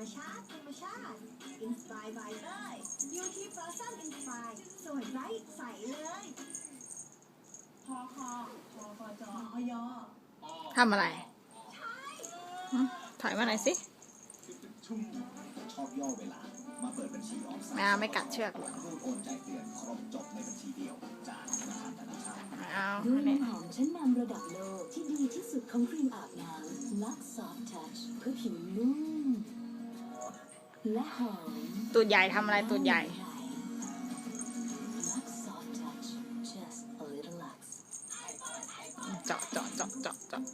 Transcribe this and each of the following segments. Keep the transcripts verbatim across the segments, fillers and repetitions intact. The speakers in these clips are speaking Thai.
ชาติธรรมชาติ Inspire by เต้ย Beauty Blossom Inspire สวยไร้ใสเลยพอคอพอคอจอพอยอทำอะไรหึถอยมาหน่อยสิชอบย่อเวลามาเปิดบัญชีออมทรัพย์ไม่เอาไม่กัดเชือกหรอกรูดโอนจ่ายเตือนครบจบในบัญชีเดียวจากธนาคารธนาคารไม่เอาด้วยเนี่ยน้ำหอมชั้นนำระดับโลกที่ดีที่สุดของครีมอาบน้ำ Lux Soft Touch เพื่อผิวนุ่มและหอมตูดใหญ่ทำอะไรตูดใหญ่ Lux Soft Touch just a little Lux เจาะเจาะเจาะเจาะเจาะ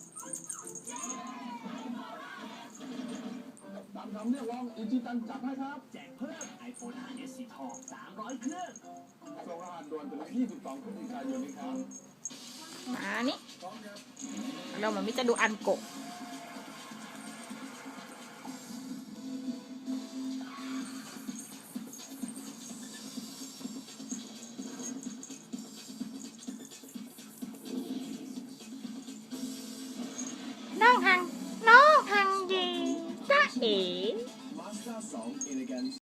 ตามคำเรียกร้องอิจิตันจัดให้ครับแจกเพิ่ม iPhone ไฟว์ เอส สีทองสามร้อยเครื่องส่งรหัสด่วนถึงยี่สิบสองพฤศจิกายนนี้ครับมานี่เราเหมือนมิจะดูอันโกะน้องหังน้องหังยีจ้าเอ๋มาสด้าสอง Elegance